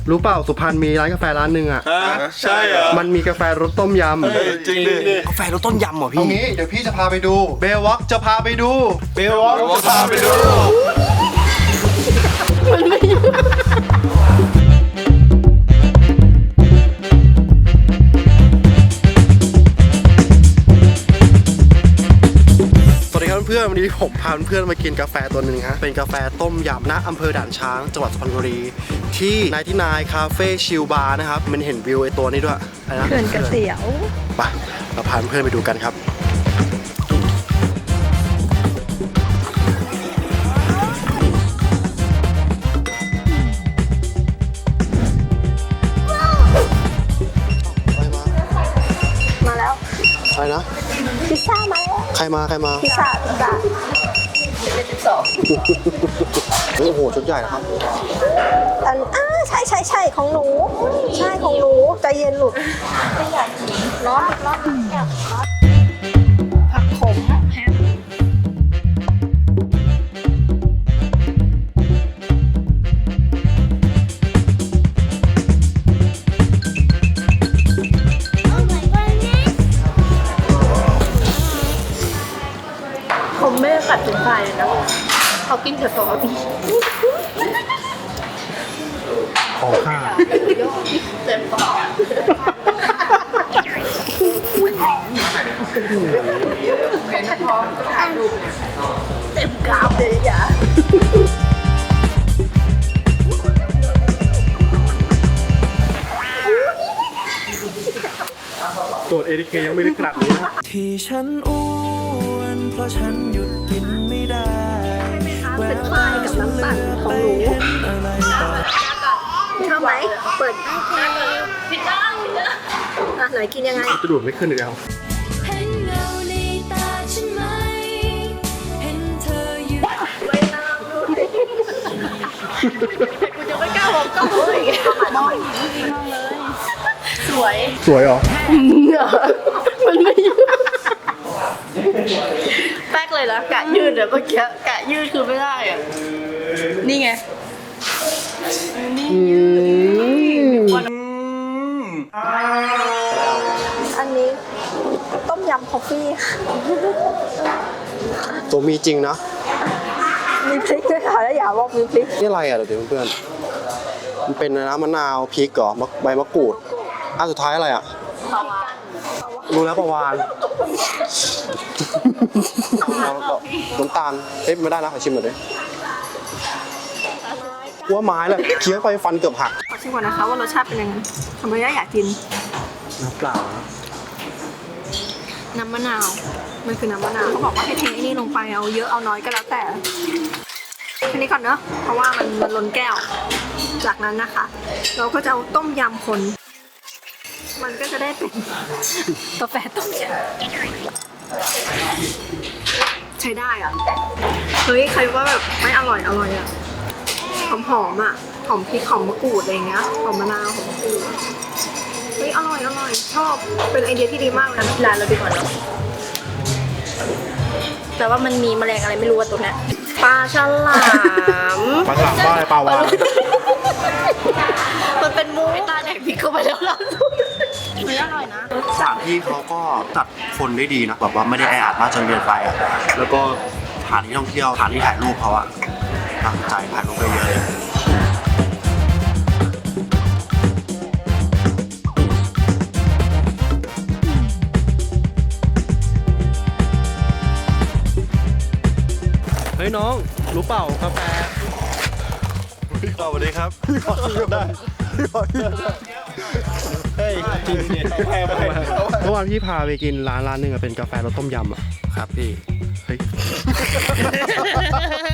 รู้เปล่าสุพรรณมีร้านกาแฟร้านหนึ่งอ่ะใช่เหรอมันมีกาแฟรสต้มยำจริงดิกาแฟรสต้มยำเหรอพี่เอางี้เดี๋ยวพี่จะพาไปดูเบลวอล์กจะพาไปดูเบลวอล์กจะพาไปดูเพื่อนวันนี้ผมพาเพื่อนมากินกาแฟตัวหนึ่งฮะเป็นกาแฟต้มยำณอำเภอด่านช้างจังหวัดสุพรรณบุรีที่99คาเฟ่ชิลบาร์นะครับมันเห็นวิวไอตัวนี้ด้วยอะไรนะเขื่อนเกษียวไปเราพาเพื่อนไปดูกันครับมาแล้วอะไรนะพิซซ่ามาแล้วใครมาพิซซ่าโอ้โหชุดใหญ่นะครับใช่ของหนูใช่ของหนูใจเย็นหลุดไม่อยากร้อนผักขมแฮมผมไม่ได้กัดถึงไฟเลยนะเขากินแต่ซอสของข้าเต็มปากเต็มกราฟเลยอย่าตรวจ ATK ยังไม่ได้ขนาดนี้นะที่ฉันอ้วนเพราะฉันหยุดกินไม่ได้เป็นไฟกับน้ำตาลของหนูชอบไหมเปิดผิดด้านไหนกินยังไงจะดูดไม่ขึ้นอีกแล้วเห็นเงาในตาฉันไหมเห็นเธออยู่ไม่น่ากูจะไม่กล้าบอกกล้องเลยมองเลยสวยเหรอมันไม่แป๊กเลยนะกะยืดอะเมื่อกี้กะยืดคือไม่ได้อะนี่ไงอันนี้ต้มยำคอฟฟี่ตัวมีจริงนะมีพริกด้วยค่ะแล้วอย่าบอกมีพริกนี่อะไรอ่ะเดี๋ยวเพื่อนมันเป็นน้ำมะนาวพริกเหรอใบมะกรูดสุดท้ายอะไรอ่ะรู้แล้วประวานน้ำตาลไม่ได้นะขอชิมหน่อยดิว่าไม้แหละเคี้ยวไปฟันเกือบหักขอชิมก่อนนะคะว่ารสชาติเป็นยังไงทำไมอยากกินน้ำเปล่าน้ำมะนาวมันคือน้ำมะนาวเขาบอกว่าให้เทนี่ลงไปเอาเยอะเอาน้อยก็แล้วแต่แค่นี้ก่อนเนอะเพราะว่ามันล้นแก้วจากนั้นนะคะเราก็จะเอาต้มยำคนมันก็จะได้เป็นกาแฟต้มยำใช้ได้อ่ะเฮ้ยใครว่าแบบไม่อร่อยอ่ะหอมอ่ะหอมพริกหอมมะกรูดอะไรเงี้ยหอมมะนาวหอมมะกรูดเฮ้ยอร่อยชอบเป็นไอเดียที่ดีมากนะร้านเราดีกว่าเนาะแต่ว่ามันมีแมลงอะไรไม่รู้ว่าตัวเนี้ยปลาฉลามปลาฉลามว่าอะไรปลาวาฬมันเป็นมูตาแดกพริกเข้าไปแล้วล่ะไม่อร่อยนะสถานที่เขาก็จัดคนได้ดีนะแบบว่าไม่ได้แออัดมากจนเกินไปอ่ะแล้วก็สถานที่ท่องเที่ยวสถานที่ถ่ายรูปเขาอ่ะตั้งใจถ่ายรูปไปเยอะเลยเฮ้ยน้องรู้เปล่ากาแฟสวัสดีครับพี่ขอกินได้พี่ขอกินได้เฮ้ยจริงเมื่อวานพี่พาไปกินร้านหนึ่งอะเป็นกาแฟรสต้มยำอะครับพี่เฮ้ย